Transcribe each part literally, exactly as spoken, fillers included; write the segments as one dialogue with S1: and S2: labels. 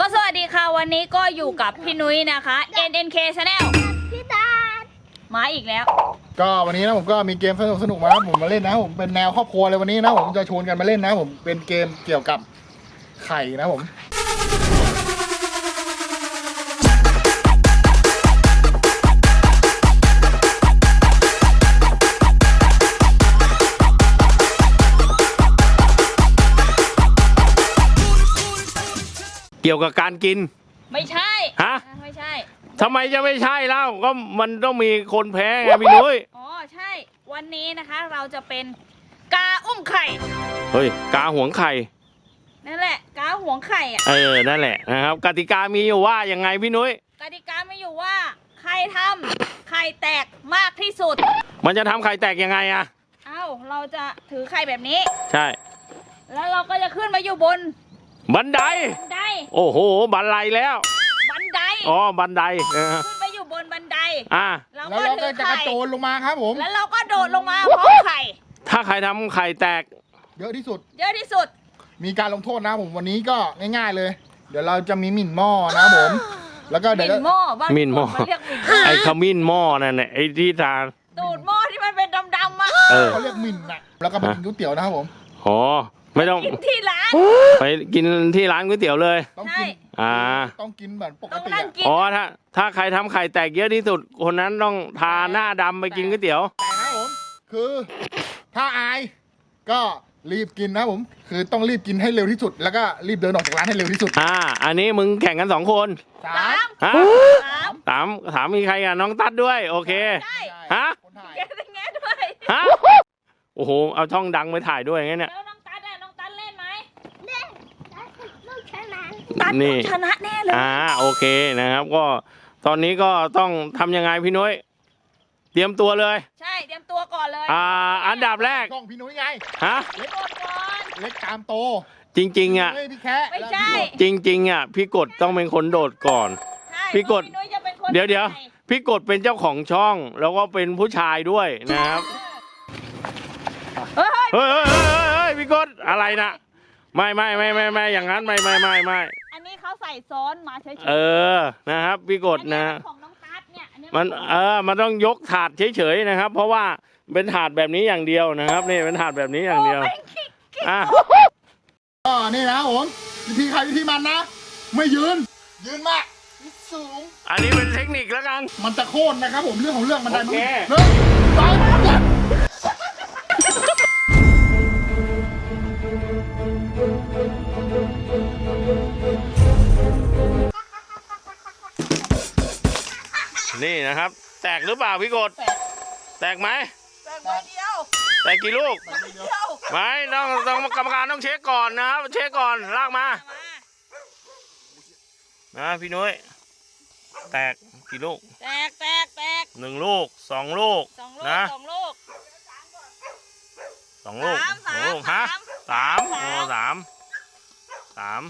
S1: ก็สวัสดีค่ะวันนี้ก็อยู่กับพี่นุ้ยนะคะ เอ็น เอ็น เค Channel
S2: พี่ตา
S1: มาอีกแล้ว
S3: ก็วันนี้นะผมก็มีเกมสนุกสนุกมาผมมาเล่นนะผมเป็นแนวครอบครัวเลยวันนี้นะผมจะชวนกันมาเล่นนะผมเป็นเกมเกี่ยวกับไข่นะผม
S4: เกี่ยวกับการกิน
S1: ไม่ใช่
S4: ฮะ
S1: ไม่ใช่
S4: ทำไมจะไม่ใช่เล่าก็มันต้องมีคนแพ้ไงพี่นุ้ย
S1: อ๋อใช่วันนี้นะคะเราจะเป็นกาอุ้มไข่
S4: เฮ้ยกาหวงไข่
S1: นั่นแหละกาหวงไข่อ่ะ
S4: เออนั่นแหละนะครับกติกามีอยู่ว่ายังไงพี่นุ้ย
S1: กติกาไม่อยู่ว่าใครทำไข่แตกมากที่สุด
S4: มันจะทำไข่แตกยังไงอะ
S1: เอ้าเราจะถือไข่แบบนี้
S4: ใช่
S1: แล้วเราก็จะขึ้นมาอยู่บน
S4: บันได
S1: บันได
S4: โอ้โหบันไดแล้ว
S1: บันได
S4: อ๋อบันได
S1: ขึ้นไปอยู่บนบันได
S4: อ่า
S1: แล้ว
S3: เราก็จะกระโจนลงมาครับผม
S1: แล้วเราก็โดดลงมาพร้อมไข่
S4: ถ้าใครทำไข่แตก
S3: เยอะที่สุด
S1: เยอะที่สุด
S3: มีการลงโทษนะผมวันนี้ก็ง่ายๆเลยเดี๋ยวเราจะมีหมิ่นหม้อนะผมแล้วก็เดี๋ยว
S1: หมิ่นหม้อบ้าง
S4: หมิ่นหม้อไอ้ขมิ้นหม้อนั่นแหละไอ้ที่ทาน
S1: ตูดหม้อที่มันเป็นดำๆมา
S3: เขาเรียกหมิ่นนะแล้วก็ไปกินก๋วยเตี๋ยวนะครับผม
S4: อ๋อไม่ต้อง
S1: กินที่ร้าน
S4: ไปกินที่ร้านก๋วยเตี๋ยวเลย
S3: ต้องกิน
S4: อ่า
S3: ต้องกินแบบปกติ
S4: อ๋อถ้าถ้าใครทำไข่แตกเยอะที่สุดคนนั้นต้องทาหน้าดำไปกินก๋วยเตี๋ยว
S3: แต่นะผมคือถ้าอายก็รีบกินนะผมคือต้องรีบกินให้เร็วที่สุดแล้วก็รีบเดินออกจากร้านให้เร็วที่สุด
S4: อ่าอันนี้มึงแข่งกันสองคน
S1: สาม
S4: ฮะสามถามมีใครอ่ะน้องตั๊ดด้วยโอเคฮะ
S1: แกจะแง่ด้วย
S4: ฮะโอ้โหเอาช่องดังไปถ่ายด้วยงั้นเนี่ย
S1: นี่ชนะแน่เลย
S4: อ่าโอเคนะครับก็ตอนนี้ก็ต้องทำยังไงพี่นุ้ยเตรียมตัวเลย
S1: ใช่เตรียมตัวก่อนเลย
S4: อ่าอันดับแรก
S3: กล้องพี่นุ้ยไง
S4: ฮะ
S3: เล็กก่อนเล็กตามโต
S4: จริงๆอ่ะ
S1: ไม่ใช่
S4: จริงๆอ่ะพี่กดต้องเป็นคนโดดก่อนพี่กดเดี๋ยวเดี๋ยวพี่กดเป็นเจ้าของช่องแล้วก็เป็นผู้ชายด้วยนะครับเฮ้ยเฮ้ยเฮ้ยพี่กดอะไรนะไม่ไม่ไม่ไม่ไม่อย่างนั้นไม่ไม่ไม่ไม่
S1: อันนี้เขาใส่ซ้อนมาเฉยๆ
S4: เออนะครับพี่กดนะ
S1: ของน้องตั๊ดเนี่ย
S4: มันเออมันต้องยกถาดเฉยๆนะครับเพราะว่าเป็นถาดแบบนี้อย่างเดียวนะครับนี่เป็นถาดแบบนี้อย่างเดียวอ่ะ
S3: ก็นี่นะผมวิธีใครวิธีมันนะไม่ยืนยืนมากสูง
S4: อันนี้เป็นเทคนิคแล้วกัน
S3: มันจะโค่นนะครับผมเรื่องของเรื่องมันได้มั้ง
S4: หนึ่ง
S3: สอง
S4: นี่นะครับแตกหรือเปล่าพี่กดแตกไหม
S1: แตกใบเดียว
S4: แตกกี่ลูกไม่ต้องต้องกรรมการต้องเช็คก่อนนะครับเช็คก่อนลากมานะพี่นุ้ยแตกกี่ลูก
S1: แตกแตกแตก
S4: หนึ่งลูกสองลูกนะ
S1: สองลูก
S4: สองลูกสองลูกฮะสามโอ้สามสาม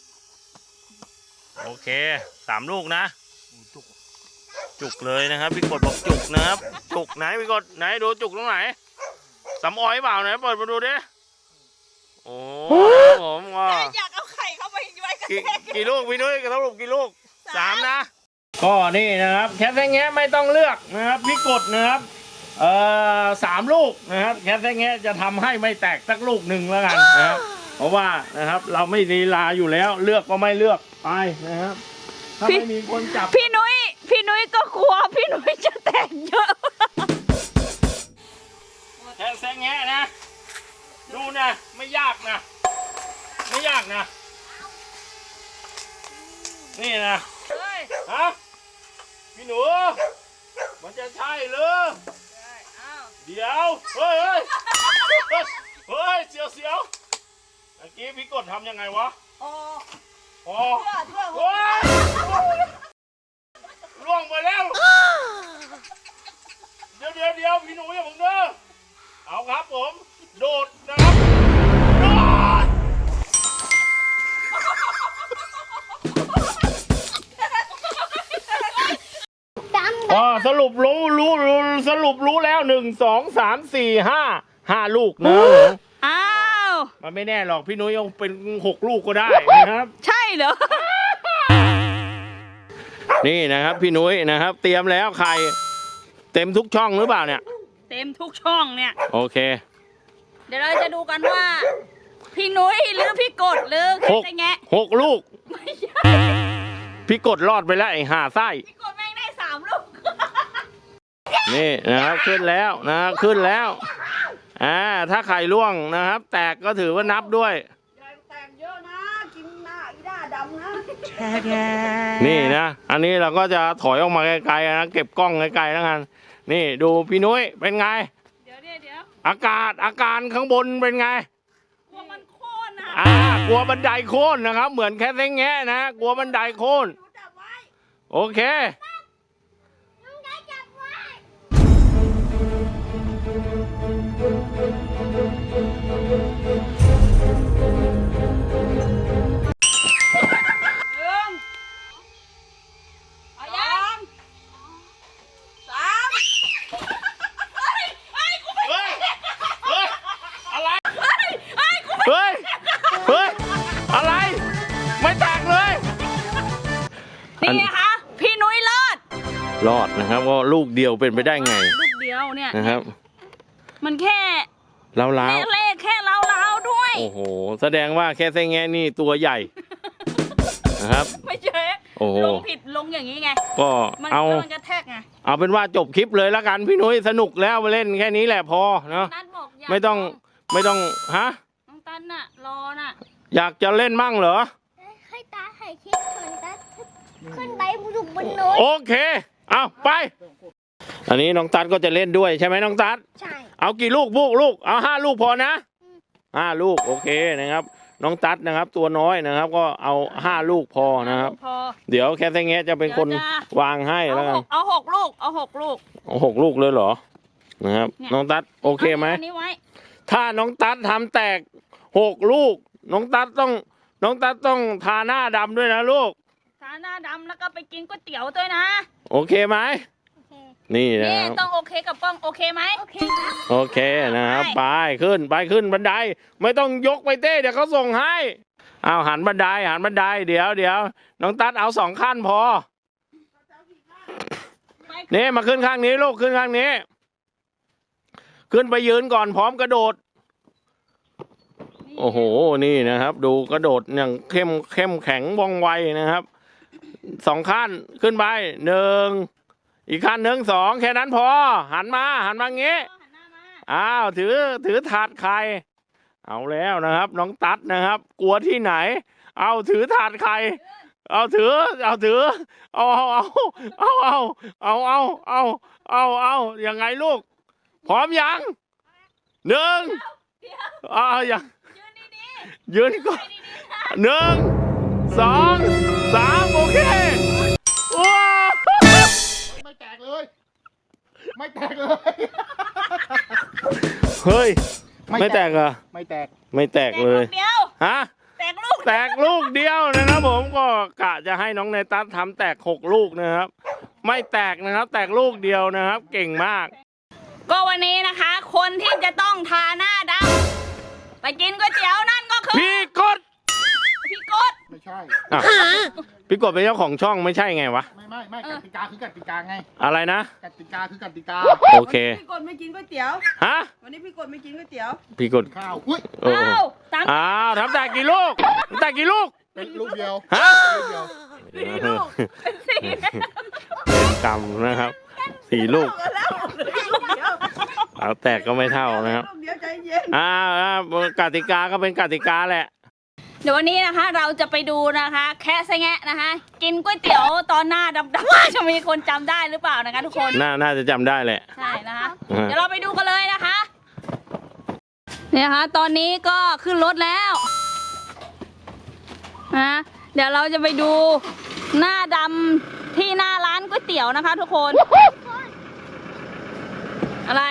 S4: โอเคสามลูกนะจุกเลยนะครับพี่กดบอกจุกนะครับจุกไหนพี่กดไหนดูจุกตรงไหนสำออยเปล่าไหนเปิดมาดูดิโอ้ผมก็
S1: อยากเอาไข่เข้าไปไว้กัน
S4: กี่ลูกพี่นุ้ยสรุปกี่ลูกสามนะก็นี่นะครับแคทแท้แงะไม่ต้องเลือกนะครับพี่กดนะครับเอ่อสามลูกนะครับแคทแท้แงะจะทำให้ไม่แตกสักลูกหนึ่งแล้วกันนะครับเพราะว่านะครับเราไม่ลีลาอยู่แล้วเลือกก็ไม่เลือกไปนะครับถ้าไม่มีคนจับ
S1: พี่นุ้ยพี่นุ้ยก็กลัวพี่นุ้ยจะแตกเยอะ
S4: แค่แซงแงะนะดูนะไม่ยากนะไม่ยากนะนี่นะฮะพี่หนูมันจะใช่หรือเดี๋ยวเฮ้ยเฮ้ยเฮ้ยเสียวเสียวเมื่อกี้พี่กดทำยังไงวะอ๋ออ๋อโอ้ยล่วงไปแล้วเดี๋ยวเดี๋ยวเดี๋ยวพี่หนูอย่าเพิ่งเด้อเอาครับผมโดดนะครับโดดอ๋อสรุปรู้รู้รู้สรุปรู้แล้วหนึ่งสองสามสี่ห้าห้าลูกนะ
S1: อ้าว
S4: มันไม่แน่หรอกพี่นุ้ยยังเป็นหกลูกก็ได้นะครับ
S1: ใช่เหรอ
S4: นี่นะครับพี่นุ้ยนะครับ เตรียมแล้วไข่เต็มทุกช่องหรือเปล่าเนี่ย
S1: เต็มทุกช่องเนี่ย
S4: โอเค
S1: เดี๋ยวเราจะดูกันว่าพี่นุ้ยหรือพี่กดหรือใครจะแงะ
S4: หกลูกไม่ใช่พี่กดรอดไปแล้วไอ้ห่าไส้
S1: พี่กดแม่งได้สามลูก
S4: นี่นะครับขึ้นแล้วนะครับขึ้นแล้วอ่าถ้าไข่ร่วงนะครับแตกก็ถือว่านับด้วย
S1: แตกเยอะนะกินหน้าอีด้าดำนะ
S4: นี่นะอันนี้เราก็จะถอยออกมาไกลๆนะเก็บกล้องไกลๆแล้วกันนี่ดูพี่นุ้ยเป็นไง
S1: เดี๋ยวเดี๋ยวเดี๋ยว
S4: อากาศอาการข้างบนเป็นไง
S1: กลัวมันโค่นนะ
S4: อ่ากลัวบันไดโค่นนะครับเหมือนแค่เซ้งแงะนะกลัวบันไดโค่นโอเคเฮ้ย เฮ้ย อะไร ไม่แตกเลย
S1: นี่คะพี่นุ้ยรอด
S4: รอดนะครับก็ลูกเดียวเป็นไปได้ไง
S1: ลูกเดียวเนี่ย
S4: นะครับ
S1: มันแค่
S4: เล้าเล้า
S1: เลขแค่เล้าเล้าด้วย
S4: โอ้โห แสดงว่าแค่เซ้งแงะนี่ตัวใหญ่ นะครับ
S1: ไม่ใช่โอ้ลงผิดลงอย่างนี้ไง
S4: ก็เอา
S1: มันกระแทกไง
S4: เอาเป็นว่าจบคลิปเลยแล้วกันพี่นุ้ยสนุกแล้วมาเล่นแค่นี้แหละพอเนาะไม่ต้องไม่ต้องฮะ
S1: ตันน่ะรอน่ะ
S4: อยากจะเล่นมั่งเหรอ
S2: ให้ตาถ่ายคลิปก่อนตาขึ้นไปบุกบนโน้ต
S4: โอเคเอาไปอันนี้น้องตัดก็จะเล่นด้วยใช่ไหมน้องตัด
S2: ใช่
S4: เอากี่ลูกบุกลูกเอาห้าลูกพอนะห้าลูกโอเคนะครับน้องตัดนะครับตัวน้อยนะครับก็เอาห้าลูกพอนะครับเดี๋ยวแค่เซ้งแงะจะเป็นคนวางให้แล้วกัน
S1: เอาหกลูกเอาหกลูก
S4: เอาหกลูกเลยเหรอนะครับน้องตัดโอเคไหมถ้าน้องตัดทำแตกหกลูกน้องตัดต้องน้องตัดต้องทาหน้าดำด้วยนะลูก
S1: ทาหน้าดำแล้วก็ไปกินก๋วยเตี๋ยวด้วยนะ
S4: โอเคไหมนี่นะ
S1: นี่ต้องโอเคกับป้องโอเคไหม
S2: โอเคครับ
S4: โอเคนะครับไปขึ้นไปขึ้นบันไดไม่ต้องยกไปเต้เดี๋ยวเขาส่งให้เอาหันบันไดหันบันไดเดี๋ยวเดี๋ยวน้องตัดเอาสองขั้นพอนี่มาขึ้นข้างนี้ลูกขึ้นข้างนี้ขึ้นไปยืนก่อนพร้อมกระโดดโอ้โหนี่นะครับดูกระโดดอย่างเข้มเข้มแข็งว่องไวนะครับสองขั้นขึ้นไปหนึ่งอีกขั้นหนึ่งสองแค่นั้นพอหันมาหันมางี้อ้าวถือถือถาดไข่เอาแล้วนะครับน้องตัดนะครับกลัวที่ไหนเอาถือถาดไข่เอาถือเอาถือเอาเอาเอาเอาเอาเอาเอาเอาเอาเอายังไงลูกพร้อมยังหนึ่งอ่ายังยืนก่อนหนึ่งสองสามโอเคว้า
S3: ไม่แตกเลยไม่แตกเลย
S4: เฮ้ยไม่แตกเหรอ
S3: ไม่แตก
S4: ไม่แตกเลยฮะ
S1: แตกลูก
S4: แตกลูกเดียวนะครับผมก็กะจะให้น้องเนตัสทำแตกหกลูกนะครับไม่แตกนะครับแตกลูกเดียวนะครับเก่งมาก
S1: ก็วันนี้นะคะคนที่จะต้องทาหน้าดำไปกินก๋วยเตี๋ยวนั่นก็คือ
S4: พี่กด
S1: พี่กด
S3: ไม่ใช่
S4: พี่กดเป็นเจ้าของช่องไม่ใช่ไงวะ
S3: ไม่ไม่ไม่กติกาคือกติกาไง
S4: อะไรนะ
S3: กติกาคือกติกา
S4: โอเค
S5: พี่กดไม่กินก๋วยเตี๋ยว
S4: ฮะ
S5: วันนี้พี่กดไม่กินก๋วยเตี๋ยว
S4: พี่กด
S3: ข้าวอุ้ย
S1: อ้าว
S4: อ้าวทำแต่กี่ลูกแต่กี่ลูก
S3: เป็นลูกเดียว
S4: ฮะ
S3: ลูกเดียว
S1: สี่ลูกเป็นสี่
S4: เป็นกรรมนะครับสี่ลูกเอาแตกก็ไม่เท่านะครับอ่ากติกาก็เป็นกติกาแหละ
S1: เดี๋ยววันนี้นะคะเราจะไปดูนะคะแค่แงะนะคะกินก๋วยเตี๋ยวตอนหน้าดำๆจะมีคนจำได้หรือเปล่านะคะทุกคน
S4: น่าน่าจะจำได้แหละ
S1: ใช่นะคะเดี๋ยวเราไปดูกันเลยนะคะเนี่ยค่ะตอนนี้ก็ขึ้นรถแล้วนะเดี๋ยวเราจะไปดูหน้าดำที่หน้าร้านก๋วยเตี๋ยวนะคะทุกคนอะไร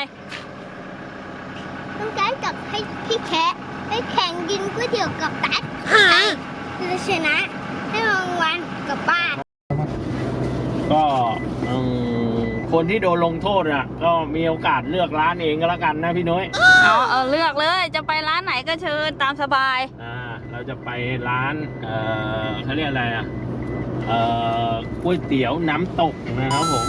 S2: ต้องการกับให้พี่แคะให้แข่งกินก๋วยเตี๋ยวกับตั๊ดจะชนะให้รางวัลกลับบ้าน
S4: ก็คนที่โดนลงโทษอ่ะก็มีโอกาสเลือกร้านเองก็แล้วกันนะพี่น้อย
S1: เอาเอาเลือกเลยจะไปร้านไหนก็เชิญตามสบาย
S4: อ่าเราจะไปร้านเอ่อเขาเรียกอะไรอ่ะเอ่อก๋วยเตี๋ยวน้ำตกนะครับผม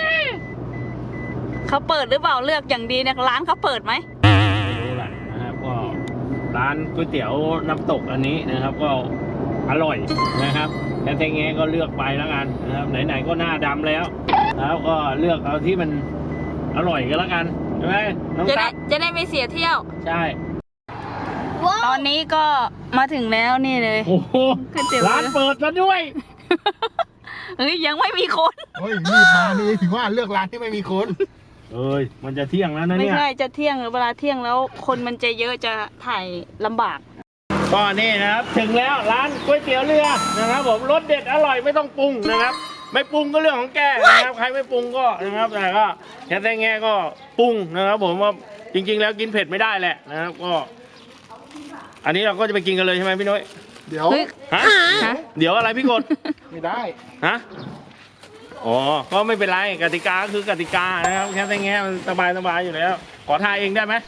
S1: เขาเปิดหรือเปล่าเลือกอย่างดีเนี่ยร้านเขาเปิดไหม
S4: ไม่รู้แหละนะครับก็ร้านก๋วยเตี๋ยวน้ำตกอันนี้นะครับ ก็อร่อยนะครับแต่แตงแงก็เลือกไปแล้วกันนะครับไหนๆก็หน้าดำแล้วแล้วก็เลือกเอาที่มันอร่อยกันแล้วกันใช่ไหมน้อง
S1: จะได้
S4: ตั๊ก
S1: จะได้ไม่เสียเที่ยว
S4: ใช่
S2: ว้า
S1: ต
S2: ว
S1: อนนี้ก็มาถึงแล้วนี่เลย
S4: โอ้โห
S1: ก๋วยเตี๋ยว
S4: ร้านเปิดซะด้วย
S1: เฮ้ยยังไม่มีคน
S3: เฮ้ยรีบมานี่ถึงว่าเลือกร้านที่ไม่มีคน
S4: เอ้ยมันจะเที่ยงแล้วนะ
S1: ไม่
S4: เนี่ย
S1: ใช่จะเที่ยงหรือเวลาเที่ยงแล้วคนมันจะเยอะจะถ่ายลำบาก
S4: ก็นี่นะครับถึงแล้วร้านก๋วยเตี๋ยวเรือนะครับผมรสเด็ดอร่อยไม่ต้องปรุงนะครับ ไม่ปรุงก็เรื่องของแกนะครับใครไม่ปรุงก็นะครับแต่ก็แค่แต่แง่ก็ปรุงนะครับ ผมว่าจริง ๆ แล้วกินเผ็ดไม่ได้แหละนะครับก็ อันนี้เราก็จะไปกินกันเลยใช่ไหมพี่น้อย
S3: เดี๋ยว
S1: เฮ้ย
S4: ฮะ
S1: ฮะ
S4: เดี๋ยวอะไรพี่กด
S3: ไม่ได้
S4: ฮะอ๋อก็ไม่เป็นไรกติกาก็คือกติกานะครับแค่แต่แง่มันสบายสบายอยู่แล้วขอทายเองได้ไหม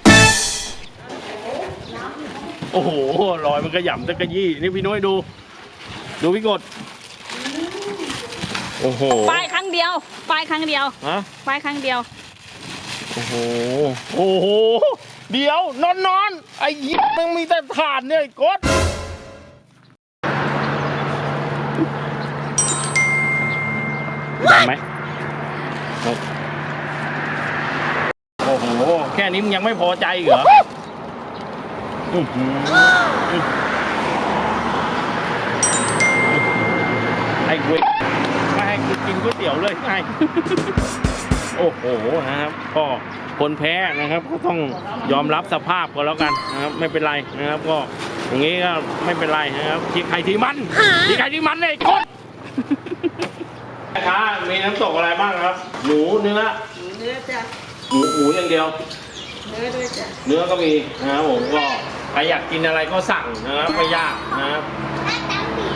S4: โอ้โหลอยมันกระหย่ำตะกระยี่นี่พี่น้อยดู ดูพี่กดโอ้โห
S1: ป้ายครั้งเดียวป้ายครั้งเดียว
S4: ฮะ
S1: ป้ายครั้งเดียว
S4: โอ้โหโอ้โหเดี๋ยวนอนนอนไอ้ยิบมันมีแต่ถ่านเนี่ยไอ้กดดำไหมโอ้โหแค่นี้มึงยังไม่พอใจอีกเหรออื้อหือไอ้เว้ยไม่ให้กูกินก๋วยเตี๋ยวเลยไง โอ้โหนะครับก็คนแพ้นะครับก็ต้องยอมรับสภาพก็แล้วกันนะครับไม่เป็นไรนะครับก็อย่างนี้ก็ไม่เป็นไรนะครับที่ใครที่มันที่ใครที่มันเลยกดนะคะมีน้ำตกอะไรบ้างครับหมูเนื้อ
S5: เนื้อจ้ะ
S4: หมูหมูอย่างเดียว
S5: เนื้อด้วยจ้ะ
S4: เนื้อก็มีนะครับผมก็ใครอยากกินอะไรก็สั่งนะครับไม่ยากนะครับ
S2: หน้าตาผี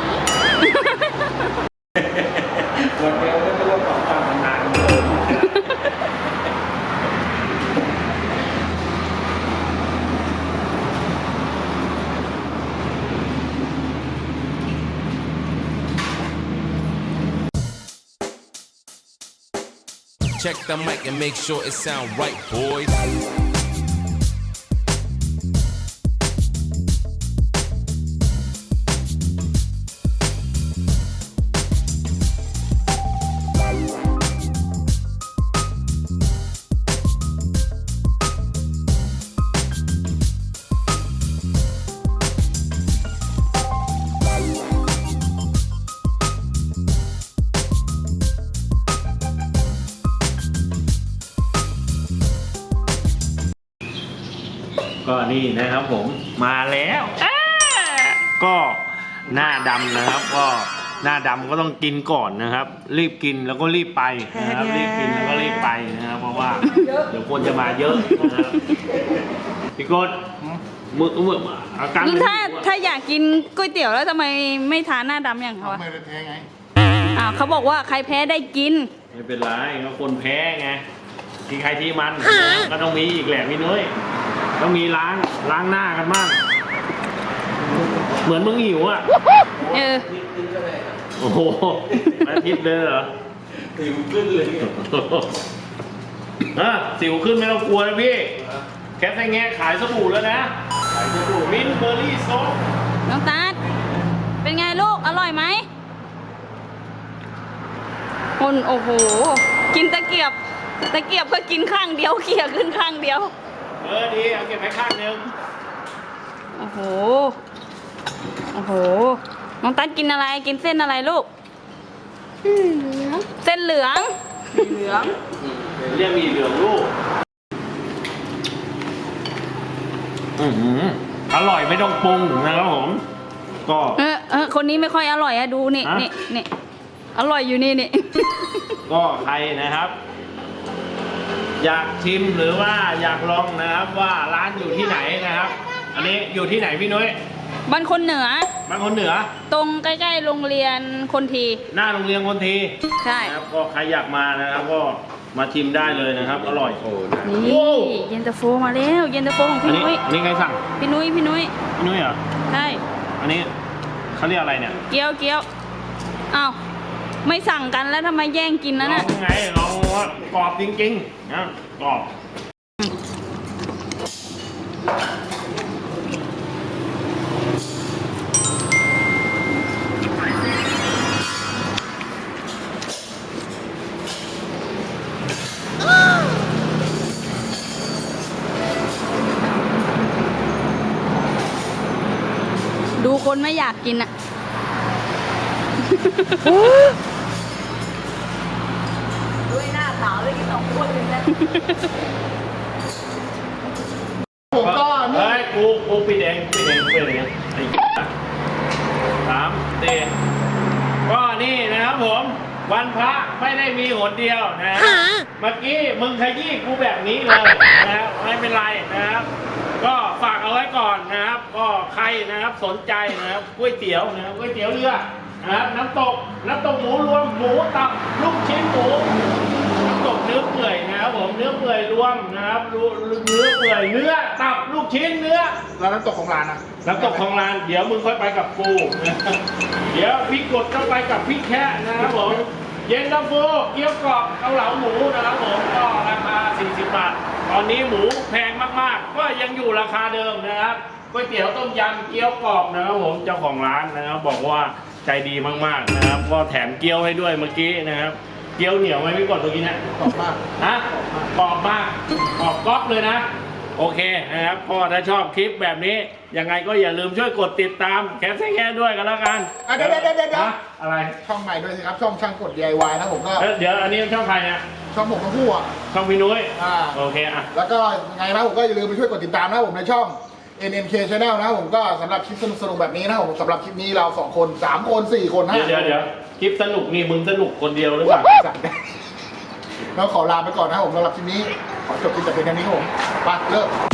S4: วันเดียวไม่ต้องต่อตามนาน
S6: Check the mic and make sure it sound right, boys.
S4: ก็นี่นะครับผมมาแล้วก็หน้าดำนะครับ ก็หน้าดำก็ต้องกินก่อนนะครับ รีบกินแล้วก็รีบไปนะครับรีบกินแล้วก็รีบไปนะครับเพราะว่าเดี๋ยวคนจะมาเยอะนะครับพี่กดมือมืออาการ
S1: ถ้าถ้าอยากกินก๋วยเตี๋ยวแล้วทำไมไม่ทานหน้าดำอย่างเขาอะ
S3: ไม่ได้แพ้ไง
S1: อ้าวเขาบอกว่าใครแพ้ได้กิน
S4: ไม่เป็นไรก็คนแพ้ไงที่ใครที่มันก็ต้องมีอีกแหละพี่นุ้ยต้องมีล้างล้างหน้ากันบ้างเหมือนมึงหิวอ่ะ
S1: เออ
S4: โอ้โหมาทิพย์เลยเหรอสิวขึ้นเลยฮะสิวขึ้นไม่ต้องกลัวนะพี่แคทไซแงะขายสบู่แล้วนะขายสบู่มิ้นท์เบอร์รี่ซอฟ
S1: น้องตัดเป็นไงลูก อร่อยไหมคนโอ้โห กินตะเกียบ ตะเกียบก็กินข้างเดียวเขี่ยขึ้นข้างเดียว
S4: เออดีเอาเก็บไว้ข้างนึง
S1: โอ้โห โอ้โห น้องตัดกินอะไร กินเส้นอะไรลูก
S2: อืมเหลือง
S1: เส้นเหลือง
S5: สีเหลือง
S4: เรียกมีเหลืองลูกอือหืออร่อยไม่ต้องปรุงนะครับผม ก็
S1: เออเออคนนี้ไม่ค่อยอร่อยอะดูนี่
S4: ฮะ
S1: นี่นี่อร่อยอยู่นี่นี่
S4: ก็ใครนะครับ อยากชิมหรือว่าอยากลองนะครับว่าร้านอยู่ที่ไหนนะครับ อันนี้อยู่ที่ไหนพี่นุ้ย
S1: บ้านคนเหนือ
S4: บางคนเหนือ
S1: ตรงใกล้ๆโรงเรียนคนที
S4: หน้าโรงเรียนคนที
S1: ใช่
S4: นะครับก็ใครอยากมานะครับ ก็มาชิมได้เลยนะครับ อร่อยโอ้
S1: นี่
S4: โอ้
S1: เย็นตาโฟมาแล้วเย็นตาโฟของ
S4: อัน
S1: พี่
S4: นี้
S1: นุ้ย
S4: อันนี้ใครสั่ง
S1: พี่นุ้ยพี่นุ้ย
S4: พี่นุ้ยเหรอ
S1: ใช่
S4: อันนี้เขาเรียกอะไรเนี่ย
S1: เกี๊ยวเกี๊ยวอ้าวไม่สั่งกันแล้วทำไมแย่งกิน
S4: ล
S1: นะ
S4: อง
S1: น่ะ
S4: ไงลองว่ากรอบจริงๆนะกรอบ
S1: ดูคนไม่อยากกินอะด้วยหน้าขาวเลยกินสองคนเลยนะ
S3: ผมก็นี่
S4: เฮ้ยกูกูปิดเองปิดเองปิดเองไอ้สามสี่ก็นี่นะครับผมวันพระไม่ได้มีหนเดียวนะเมื่อกี้มึงขยี้กูแบบนี้เลยนะครับไม่เป็นไรนะครับ ก็ฝากเอาไว้ก่อนนะครับ ก็ใครนะครับสนใจนะครับก๋วยเตี๋ยวนะครับก๋วยเตี๋ยวเรือนะครับน้ำตกน้ำตกหมูรวมหมูตับลูกชิ้นหมูน้ำตกเนื้อเปื่อยนะครับผมเนื้อเปื่อยรวมนะครับเนื้อเปื่อยเนื้อตับลูกชิ้นเนื้อ
S3: แล้วน้ำตกของร้านนะ
S4: น้ำตกของร้านเดี๋ยวมึงค่อยไปกับกูนะเดี๋ยวพี่กดก็ไปกับพี่แค่นะครับผมเย็นตาโฟเกี๊ยวกรอบเกาเหลาหมูนะครับผมก็ราคาสี่สิบบาทตอนนี้หมูแพงมากๆก็ยังอยู่ราคาเดิมนะครับก๋วยเตี๋ยวต้มยำเกี๊ยวกรอบนะครับผมเจ้าของร้านนะครับบอกว่าใจดีมากๆนะครับก็แถมเกี๊ยวให้ด้วยเมื่อกี้นะครับเกี๊ยวเหนียวไหมพี่กดเมื่อกี้นะ
S3: กรอบมาก
S4: ฮะกรอบมากกรอบก๊อบเลยนะโอเคนะครับก็ถ้าชอบคลิปแบบนี้ยังไงก็อย่าลืมช่วยกดติดตามแคสแค่ด้วยกันแล้วกัน
S3: อ่ะเดี๋ยวเดี๋ยวเดี๋ยวเดี๋ยว
S4: ฮะอะไร
S3: ช่องใหม่ด้วยสิครับ ช่องช่างกด ดี ไอ วาย นะผมก็
S4: เอ้ยเดี๋ยวอันนี้ช่องใครเนี่ย
S3: ช่องผมทั้งคู่อ่ะ
S4: ช่องพี่นุ้ย
S3: อ่า
S4: โอเคอ่ะ
S3: แล้วก็ยังไงนะผมก็อย่าลืมไปช่วยกดติดตามนะผมในช่อง เอ็น เอ็น เค Channel นะผมก็สำหรับคลิปสนุกๆแบบนี้นะผมสำหรับคลิปนี้เราสองคนสามคนสี่คนห้า
S4: เดี๋ยวเดี๋ยวเดี๋ยวคลิปสนุกนี่มึงสนุกคนเดียวหรือเปล่า
S3: สั่งได้แล้วขอลาไปก่อนนะผมสำหรับคลิปนี้ขอจบคลิปแต่เพียงเท่านี้ครับผมไปเลิก